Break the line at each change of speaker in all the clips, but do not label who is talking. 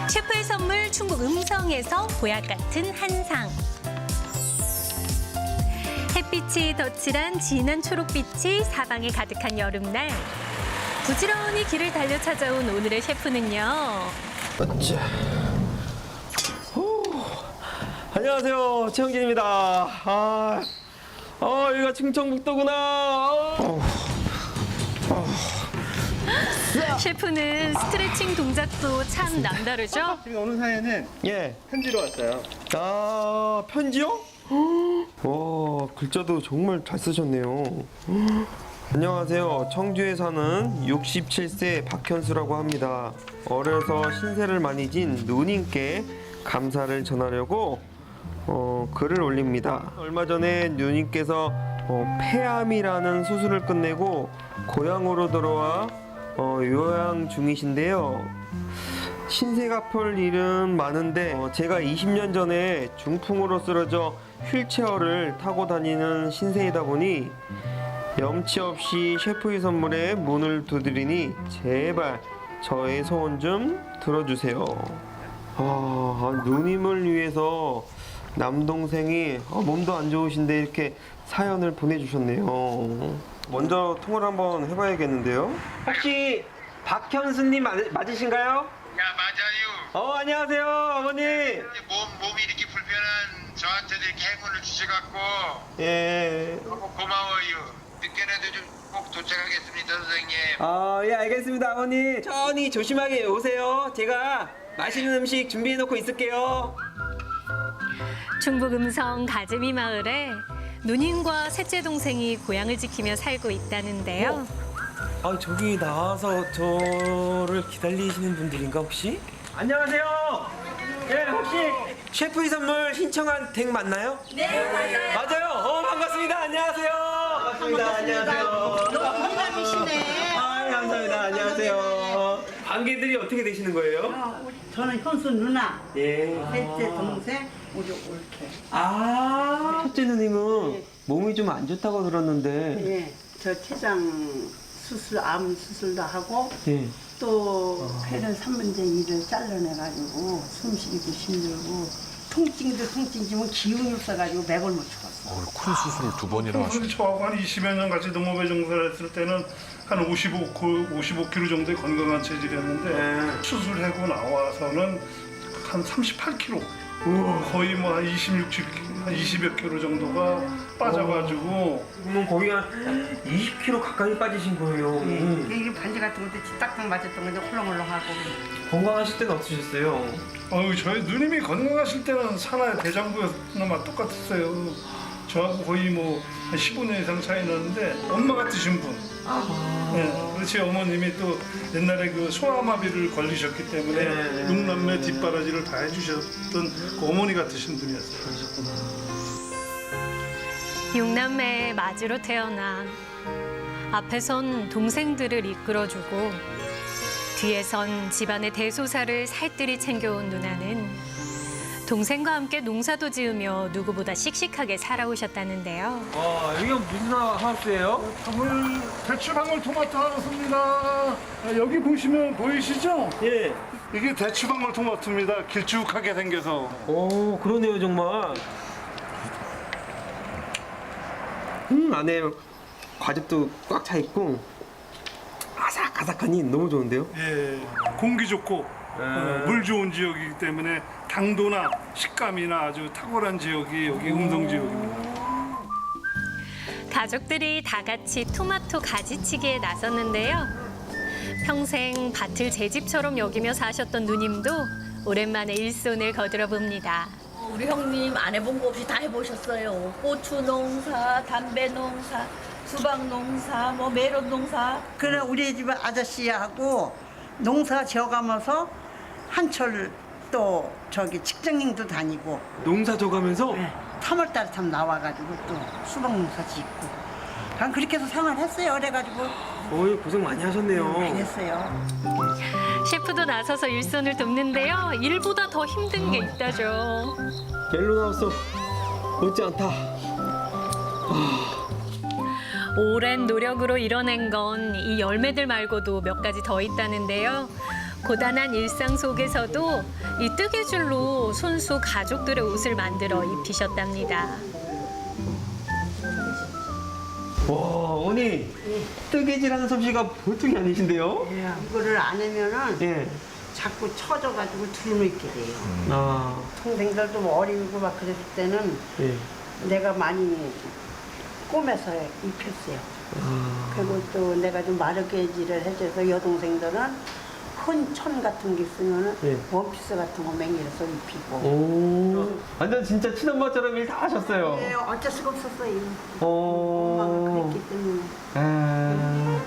셰프의 선물 충북 음성에서 보약 같은 한상. 햇빛이 덧칠한 진한 초록빛이 사방에 가득한 여름날. 부지런히 길을 달려 찾아온 오늘의 셰프는요.
어째. 안녕하세요, 최영진입니다. 여기가 충청북도구나.
셰프는 스트레칭 동작도 참 남다르죠?
지금 오는 사연은
예.
편지로 왔어요.
편지요? 와, 글자도 정말 잘 쓰셨네요. 안녕하세요. 청주에 사는 67세 박현수라고 합니다. 어려서 신세를 많이 진 누님께 감사를 전하려고 글을 올립니다. 얼마 전에 누님께서 폐암이라는 수술을 끝내고 고향으로 돌아와 요양 중이신데요. 신세가 볼 일은 많은데 제가 20년 전에 중풍으로 쓰러져 휠체어를 타고 다니는 신세이다 보니 염치 없이 셰프의 선물에 문을 두드리니 제발 저의 소원 좀 들어주세요. 누님을 위해서 남동생이 몸도 안 좋으신데 이렇게 사연을 보내주셨네요. 먼저 통화를 한번 해봐야겠는데요. 혹시 박현수님 맞으신가요?
야, 맞아요.
안녕하세요, 어머니.
몸이 이렇게 불편한 저한테도 이렇게 행운을 주셔갖고
예.
너무 고마워요. 늦게라도 좀 꼭 도착하겠습니다, 선생님.
예, 알겠습니다, 어머니. 천천히 조심하게 오세요. 제가 맛있는 음식 준비해놓고 있을게요.
충북 음성 가재미 마을에 누님과 셋째 동생이 고향을 지키며 살고 있다는데요.
저기 나와서 저를 기다리시는 분들인가 혹시? 안녕하세요. 예, 혹시 셰프의 선물 신청한 댁 맞나요? 네, 맞아요. 반갑습니다. 안녕하세요. 반갑습니다. 안녕하세요.
너무 미남이시네.
감사합니다. 안녕하세요. 관계들이 어떻게 되시는 거예요?
저는 현수 누나,
예.
셋째 동생, 우리 올케.
첫째 누님은 몸이 좀 안 좋다고 들었는데.
예, 저 췌장 수술, 암 수술도 하고
예.
또 폐를 3분의 2를 잘라내가지고 숨쉬기도 힘들고 통증도 통증이지만 기운이 없어가지고 맥을 못 죽었어.
큰 수술을 2번이나 하셨
사실 저하고 한 20여 년 같이 농업에 종사를 했을 때는 한 55kg 정도의 건강한 체질이었는데 수술하고 나와서는 한 38kg 거의 뭐 한 20여 킬로 정도가 빠져가지고
그러면 거기 한 20kg 가까이 빠지신 거예요.
이게 반지 같은 것도 딱딱 맞았던 건데 홀렁홀렁하고.
건강하실 때는 어떠셨어요?
저희 누님이 건강하실 때는 산하의 대장부였나 똑같았어요. 저하고 거의 뭐 한 15년 이상 차이 나는데 엄마 같으신 분. 네, 그렇지. 어머님이 또 옛날에 그 소아마비를 걸리셨기 때문에 육남매 뒷바라지를 다 해주셨던 그 어머니 같으신 분이었어요.
육남매의 마지로 태어나 앞에선 동생들을 이끌어주고 뒤에선 집안의 대소사를 살뜰히 챙겨온 누나는 동생과 함께 농사도 지으며 누구보다 씩씩하게 살아오셨다는데요.
여기가 무슨 하우스예요?
대추 방울토마토 하우스입니다. 여기 보시면 보이시죠?
예.
이게 대추 방울토마토입니다. 길쭉하게 생겨서.
그러네요, 정말. 안에 과즙도 꽉 차 있고 아삭아삭하니 너무 좋은데요?
예, 공기 좋고 물 좋은 지역이기 때문에 당도나 식감이나 아주 탁월한 지역이 여기 음성 지역입니다.
가족들이 다 같이 토마토 가지치기에 나섰는데요. 평생 밭을 제 집처럼 여기며 사셨던 누님도 오랜만에 일손을 거들어 봅니다.
우리 형님 안 해본 거 없이 다 해보셨어요. 고추 농사, 담배 농사, 수박 농사, 뭐 메론 농사.
그래 우리 집 아저씨하고 농사 지어가면서 한철 또 저기 직장인도 다니고
농사 져가면서
3월달에 참 나와가지고 또 수박 농사 짓고 난 그렇게 해서 생활했어요. 그래가지고
고생 많이 하셨네요.
많이 했어요.
셰프도 나서서 일손을 돕는데요. 일보다 더 힘든 게 있다죠.
옐로나우스 못지 않다.
오랜 노력으로 이뤄낸 건 이 열매들 말고도 몇 가지 더 있다는데요. 고단한 일상 속에서도 이 뜨개줄로 손수 가족들의 옷을 만들어 입히셨답니다.
와, 어머니 뜨개질하는 솜씨가 보통이 아니신데요?
이거를 안 하면은
예.
자꾸 쳐져가지고 두르게 돼요.
아,
동생들도 뭐 어리고 막 그랬을 때는
예.
내가 많이 꼬매서 입혔어요.
아,
그리고 또 내가 좀 마르게질을 해줘서 여동생들은 큰 천 같은 게 있으면은
예.
원피스 같은 거 맹일해서 입히고.
오, 완전 진짜 친엄마처럼 일 다 하셨어요.
네, 어쩔 수가 없었어요.
어,
엄마가 그랬기 때문에.
아,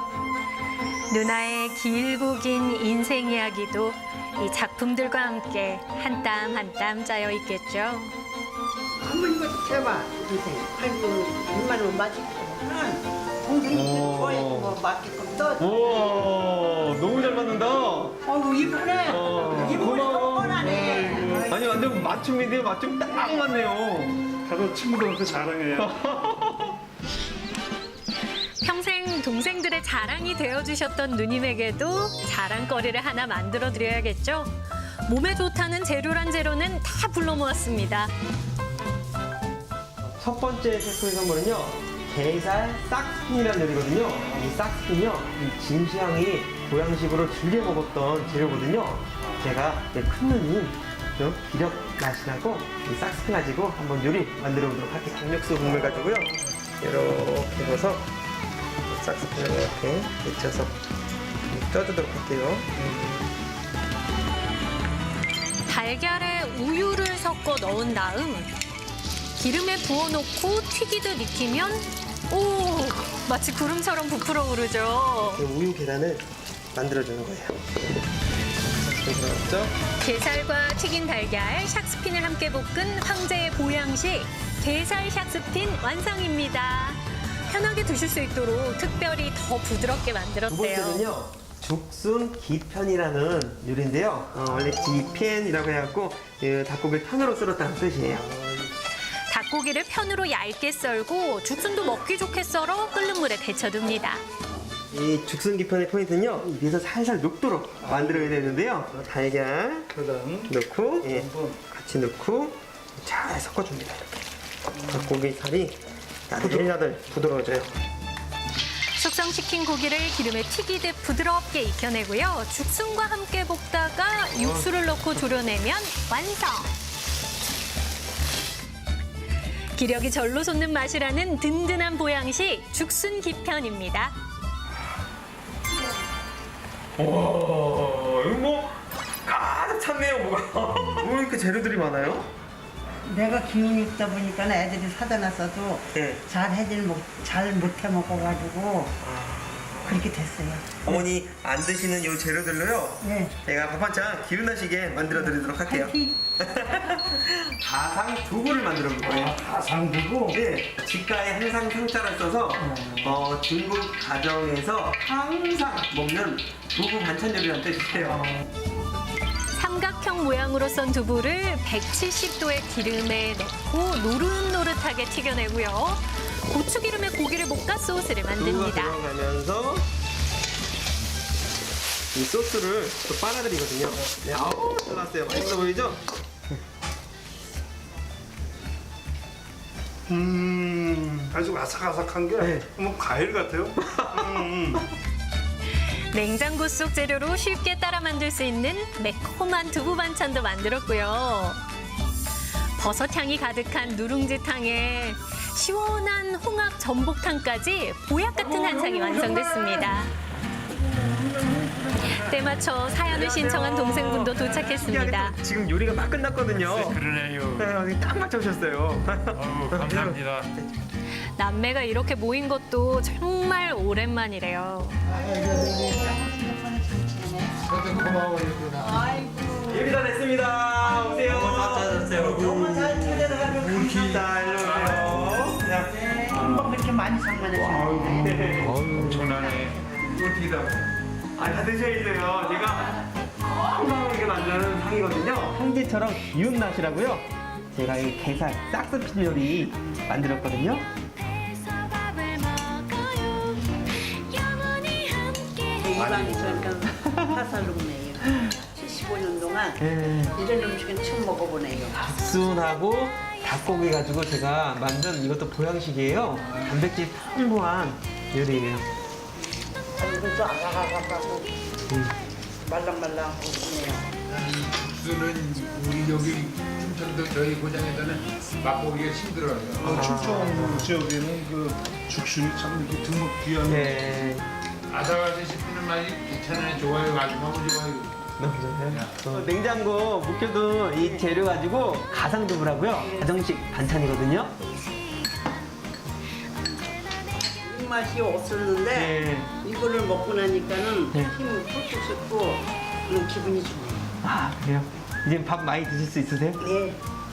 누나의 길고 긴 인생 이야기도 이 작품들과 함께 한 땀 한 땀 짜여 있겠죠.
한번 이거 해봐, 동생. 아이고, 6만 원 맞을게. 동생이 좋아해서 뭐 맞게끔 떠.
우와, 너무 잘 맞는다.
아이고, 이쁘네. 이쁘고
고마워.
뻔하네.
아니, 완전 맞춤인데요. 맞춤 딱 맞네요.
가서 친구들한테 자랑해요.
평생 동생들의 자랑이 되어주셨던 누님에게도 자랑거리를 하나 만들어 드려야겠죠. 몸에 좋다는 재료란 재료는 다 불러 모았습니다.
첫 번째 셰프의 선물은요. 게살 싹스핀이라는 요리거든요. 이 싹스핀이요. 이 진시황이 보양식으로 즐겨 먹었던 재료거든요. 제가 큰 누님 기력 맛이라고 이 싹스핀 가지고 한번 요리 만들어 보도록 할게요. 강력수 국물 가지고요. 이렇게 해서 싹스핀을 이렇게 묻혀서 쪄주도록 할게요.
달걀에 우유를 섞어 넣은 다음 기름에 부어놓고 튀기듯 익히면 오, 마치 구름처럼 부풀어 오르죠.
우유 계란을 만들어주는 거예요. 들어갔죠?
게살과 튀긴 달걀, 샥스핀을 함께 볶은 황제의 보양식 게살 샥스핀 완성입니다. 편하게 드실 수 있도록 특별히 더 부드럽게
두
만들었대요.
번째는요. 죽순 기편이라는 요리인데요. 원래 기편이라고 해갖고 닭고기를 편으로 썰었다는 뜻이에요.
닭고기를 편으로 얇게 썰고 죽순도 먹기 좋게 썰어 끓는 물에 데쳐둡니다.
이 죽순 기편의 포인트는요. 위에서 살살 녹도록 만들어야 되는데요. 달걀
그다음
넣고
한번
같이 넣고 잘 섞어줍니다. 이렇게 닭고기 살이 야들야들 부드러워져요.
숙성시킨 고기를 기름에 튀기듯 부드럽게 익혀내고요. 죽순과 함께 볶다가 육수를 넣고 졸여내면 완성! 기력이 절로 솟는 맛이라는 든든한 보양식 죽순 기편입니다.
와, 이거 뭐 가득 찼네요, 뭐가. 뭐 이렇게 재료들이 많아요?
내가 기운이 있다 보니까 애들이 사다 놨어도
네.
잘 못해 먹어가지고 그렇게 됐어요.
어머니 안 드시는 요 재료들로요.
네.
제가 밥 한찬 기운나시게 만들어 드리도록 할게요.
파이팅!
가상 두부를 만들어 볼 거예요.
가상두부.
네, 집가에 항상 상자를 써서 중국 가정에서 항상 먹는 두부 반찬 요리라는 뜻이에요.
삼각형 모양으로 썬 두부를 170도의 기름에 넣고 노릇노릇하게 튀겨내고요. 고추기름에 고기를 볶아 소스를
두부가
만듭니다.
들어가면서 이 소스를 또 빨아들이거든요. 네, 아우, 잘 나왔어요. 맛있어 보이죠?
아주 아삭아삭한 게
네.
뭐 과일 같아요.
냉장고 속 재료로 쉽게 따라 만들 수 있는 매콤한 두부 반찬도 만들었고요. 버섯향이 가득한 누룽지탕에 시원한 홍합 전복탕까지 보약 같은 한상이 완성됐습니다. 때맞춰 사연을 신청한 동생분도 도착했습니다.
지금 요리가 막 끝났거든요.
그러네요.
네, 딱 맞춰오셨어요.
아유, 감사합니다.
남매가 이렇게 모인 것도 정말 오랜만이래요.
요리 다 됐습니다. 오세요.
너무 잘 차려가지고
자, 일로 오세요. 자,
한번 그렇게 많이 상관하시는데
엄청나네.
어떻게 다? 다 드셔야돼요. 제가 건강하게 만드는 상이거든요. 황제처럼 기운 맛이라고요. 제가 이 게살 싹스핀 요리 만들었거든요.
이 방이 저니까 화살로 내요. 25년 동안
예.
이런 음식은 처음 먹어보네요.
순하고 닭고기 가지고 제가 만든 이것도 보양식이에요. 단백질 풍부한 요리예요.
이것도 아삭아삭하고 말랑말랑하고 그러네요.
국수는 우리 여기 춘천도 저희 고장에서는 맛보기가 힘들어요.
춘천 지역에는 그 죽순이 참 이렇게 등록 귀한
네.
아삭아삭 씹히는 맛이 괜찮아요. 좋아요. 아주 너무 좋아요.
너무 좋아요. 냉장고 묵혀둔 이 재료 가지고 가상두부라고요. 가정식 반찬이거든요.
입맛이 없었는데
네.
이거를 먹고 나니까는
네.
힘이 푹푹 솟고 그런 기분이 좋아요.
아, 그래요? 이제 밥 많이 드실 수 있으세요?
네,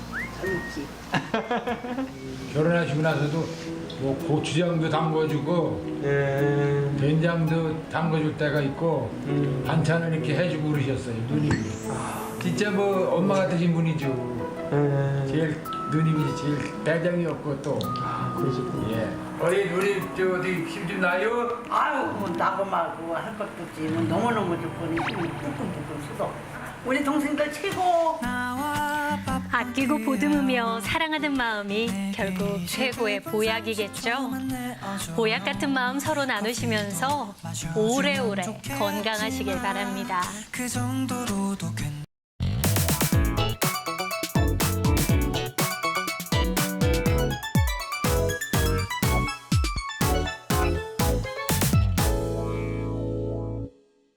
잘 먹지.
결혼하시고 나서도 뭐 고추장도 담궈주고 된장도 담궈줄 때가 있고 반찬을 이렇게 해주고 그러셨어요. 누님이. 진짜 뭐 엄마 같으신 분이죠. 제일 누님이 제일 대장이었고 또.
그러시군요.
예. 우리 누님 저 어디 힘 좀 나요?
아유, 뭐 나고 말고 할 것도 없지. 뭐 너무너무 좋고 힘이 뚝뚝뚝뚝 솟아. 우리 동생들 최고.
아끼고 보듬으며 사랑하는 마음이 결국 최고의 보약이겠죠. 보약 같은 마음 서로 나누시면서 오래오래 건강하시길 바랍니다.
그 정도로도 괜찮아.